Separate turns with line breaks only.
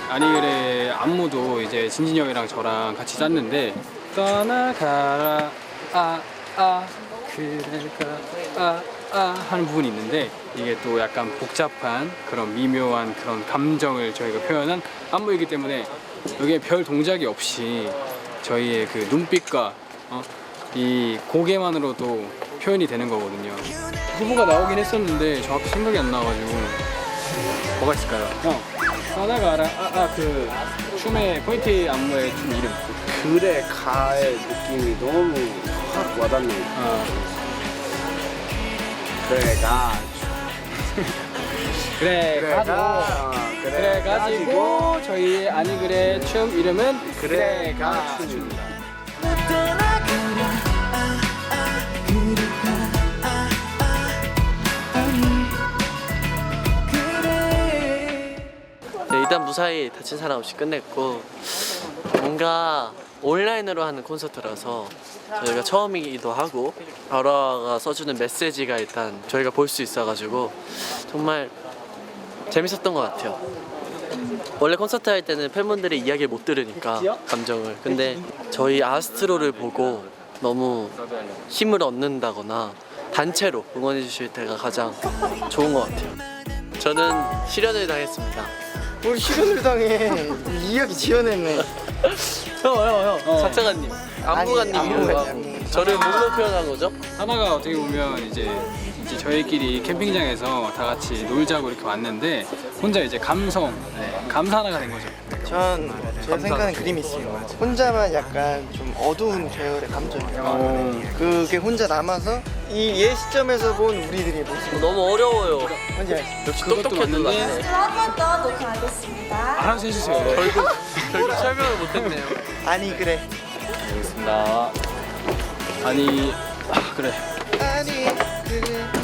아니그래 안무도 이제 진진이 형이랑 저랑 같이 짰는데 떠나가라 그래가 하는 부분이 있는데 이게 또 약간 복잡한 그런 미묘한 그런 감정을 저희가 표현한 안무이기 때문에 여기에 별 동작이 없이 저희의 그 눈빛과 이 고개만으로도 표현이 되는 거거든요. 후보가 나오긴 했었는데 정확히 생각이 안 나가지고 뭐가 있을까요? 형 떠나가라 그 춤의 포인트 안무의 춤 이름
그래 가의 느낌이 너무 확 와닿네. 그래 가
그래 가지고 저희 아니 그래 춤 이름은
그래 가 춤입니다.
네, 일단 무사히 다친 사람 없이 끝냈고 뭔가 온라인으로 하는 콘서트라서 저희가 처음이기도 하고 아라가 써주는 메시지가 일단 저희가 볼 수 있어가지고 정말 재밌었던 것 같아요. 원래 콘서트 할 때는 팬분들의 이야기를 못 들으니까 감정을, 근데 저희 아스트로를 보고 너무 힘을 얻는다거나 단체로 응원해 주실 때가 가장 좋은 것 같아요. 저는 실현을 당했습니다.
우리 실현을 당해. 이야기 지어냈네.
형 작사가님, 안무가님이요.
안무가님.
저를 뭘로 표현한 거죠?
하나가 어떻게 보면 이제 저희끼리 캠핑장에서 다 같이 놀자고 이렇게 왔는데 혼자 이제 감성 감사 하나가 된 거죠.
제가 생각하는 그림이 있어요. 혼자만 약간 좀 어두운 계열의 감정이에요. 그게 혼자 남아서 이 옛 시점에서 본 우리들의 모습.
너무 어려워요.
뭔지 알지?
역시
그것도
똑똑해도
맞는데.
낫네.
한 번 더 녹화하겠습니다.
알아서 해주세요.
결국 설명을 못했네요.
아니 그래.
알겠습니다. 아니 그래.
아니 그래.